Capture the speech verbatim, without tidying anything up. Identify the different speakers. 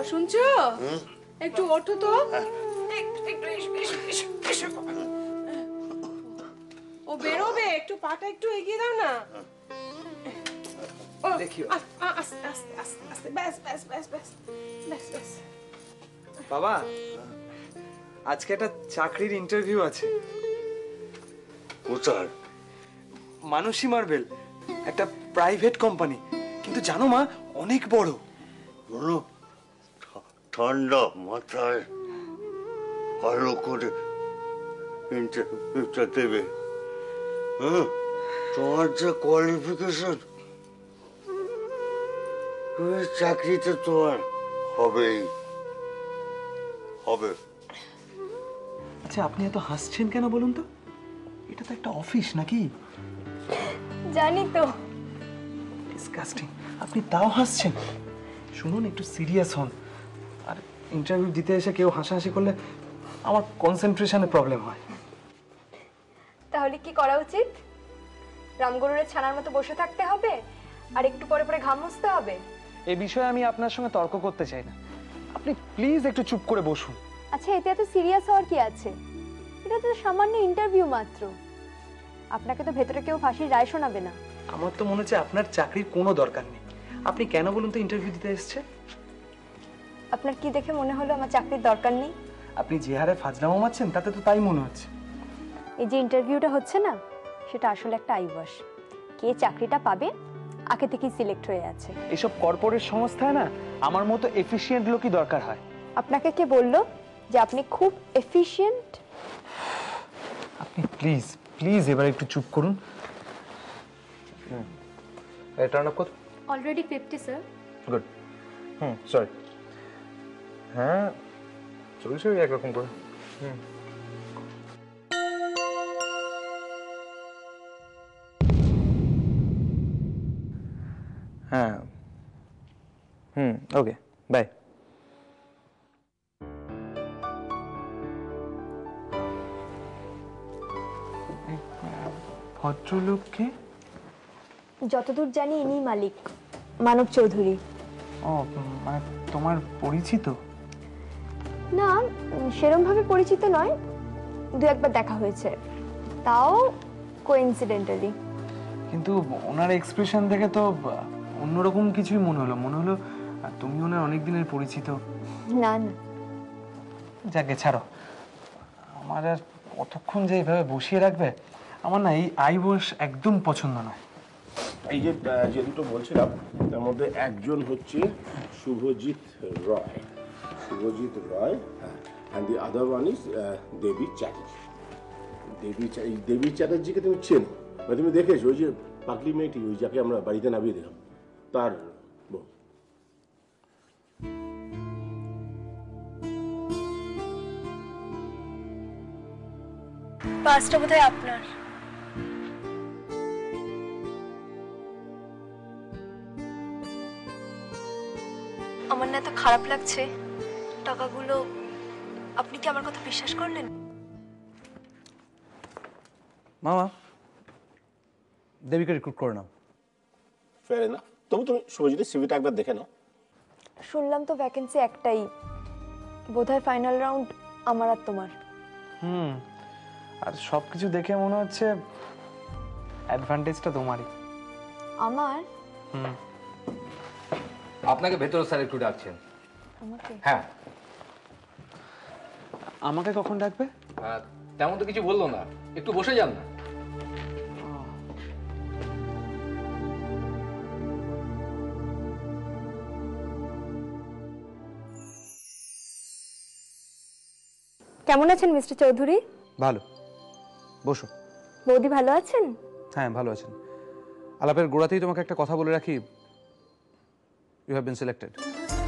Speaker 1: শুনছো? একটু ওঠো তো। ও বেরোবে, একটু পাটা একটু এগিয়ে দাও না। আস্তে আস্তে আস্তে আস্তে, ব্যাস ব্যাস ব্যাস ব্যাস ব্যাস ব্যাস।
Speaker 2: বাবা, আজকে একটা চাকরির ইন্টারভিউ আছে।
Speaker 3: কোথায়?
Speaker 2: মানসী মার্বেল, একটা প্রাইভেট কোম্পানি, কিন্তু জানো মা, অনেক বড়।
Speaker 3: বলো, ঠান্ডা মাথায় ভালো করে ইন্টারভিউটা দেবে। হ্যাঁ, তোমার যে কোয়ালিফিকেশন, চাকরিতে তোমার হবেই হবে।
Speaker 2: আচ্ছা, আপনি এত হাসছেন কেন বলুন তো? এটা তো একটা অফিস নাকি?
Speaker 4: জানি তো।
Speaker 2: ডিসকাস্টিং, আপনি তাও হাসছেন। শুনুন, একটু সিরিয়াস হন। আর ইন্টারভিউ দিতে এসে কেউ হাসাহাসি করলে আমার কনসেন্ট্রেশনে প্রবলেম হয়।
Speaker 4: তাহলে কি করা উচিত? রামগরুরের ছানার মতো বসে থাকতে হবে আর একটু পরে পরে ঘাম মুছতে হবে?
Speaker 2: এই বিষয়ে আমি আপনার সঙ্গে তর্ক করতে চাই না। আপনি প্লিজ একটু চুপ করে বসুন।
Speaker 4: আচ্ছা, এতে এত সিরিয়াস হওয়ার কি আছে? এটা তো সামান্য ইন্টারভিউ মাত্র। আপনাকে তো ভেতরে কেউ ফাঁসির রায় শোনাবে না।
Speaker 2: আমার তো মনে হচ্ছে আপনার চাকরির কোনো দরকার নেই। আপনি কেন বলুন তো ইন্টারভিউ দিতে এসেছে?
Speaker 4: আপনার কি দেখে মনে হলো আমার চাকরির দরকার নেই?
Speaker 2: আপনি যে হারে ফাজলামো মারছেন তাতে তো তাই মনে হচ্ছে।
Speaker 4: এই যে ইন্টারভিউটা হচ্ছে না, সেটা আসলে একটা আইওয়াশ। কে চাকরিটা পাবে আগে থেকেই সিলেক্ট হয়ে আছে।
Speaker 2: এসব কর্পোরেট সংস্থায় না আমার মতো এফিশিয়েন্ট লোকই দরকার হয়।
Speaker 4: আপনাকে কে বললো যে আপনি খুব এফিশিয়েন্ট?
Speaker 2: আপনি প্লিজ প্লিজ এবার একটু চুপ করুন। টার্ন আপ কত?
Speaker 4: Already fifty sir.
Speaker 2: গুড। হুম, সরি। হ্যাঁ, চলছে ওই একরকম করে। হুম। হ্যাঁ, হুম, ওকে, বাই। ভদ্রলোককে
Speaker 4: যতদূর জানি ইনি মালিক, মানব চৌধুরী।
Speaker 2: ও, মানে তোমার পরিচিত?
Speaker 4: না, সেরকম ভাবে পরিচিত নয়, দু একবার দেখা হয়েছে, তাও কোইন্সিডেন্টালি।
Speaker 2: কিন্তু ওনার এক্সপ্রেশন দেখে তো অন্যরকম কিছুই মনে হলো। মনে হলো তুমি ওনার অনেক দিনের পরিচিত।
Speaker 4: না না,
Speaker 2: যাকে ছাড়ো, আমার আর কতক্ষণ যে এইভাবে বসিয়ে রাখবে? আমার না এই আইবস একদম পছন্দ নয়।
Speaker 5: এই যে যে দুটো বলছিলাম, তার মধ্যে একজন হচ্ছে Subhajit Roy. Subhajit Roy, and the other one is Devi Chatterjee. Devi এই দেবী চ্যাটার্জিকে তুমি চেনো, মানে তুমি দেখেছো? ওই যে পাগলি মেয়েটি, ওই যাকে আমরা বাড়িতে নামিয়ে দিলাম, তার বউ।
Speaker 4: পাঁচটা বোধহয় আপনার। আমার না এত খারাপ লাগছে। টাকাগুলো আপনি কি আমার কথা বিশ্বাস করলেন?
Speaker 6: মামা, দেবীকে রিক্রুট করে নাও।
Speaker 5: ফের না, তবু তুমি শুভজিতের সিভিটা একবার দেখে নাও।
Speaker 4: শুনলাম তো ভ্যাকেন্সি একটাই, বোধহয় ফাইনাল রাউন্ড আমার আর তোমার।
Speaker 2: হুম, আর সবকিছু দেখে মনে হচ্ছে অ্যাডভান্টেজটা তোমারই।
Speaker 4: আমার?
Speaker 2: হুম।
Speaker 7: আপনাকে ভেতরে স্যার একটু ডাকছেন।
Speaker 4: আমাকে?
Speaker 7: হ্যাঁ।
Speaker 2: আমাকে কখন ডাকবে?
Speaker 7: তেমন তো কিছু বললো না, একটু বসে যান না।
Speaker 4: কেমন আছেন মিস্টার চৌধুরী?
Speaker 6: ভালো, বসো।
Speaker 4: বৌদি ভালো আছেন?
Speaker 6: হ্যাঁ, ভালো আছেন। আলাপের গোড়াতেই তোমাকে একটা কথা বলে রাখি, ইউ হ্যাভ বিন সিলেক্টেড।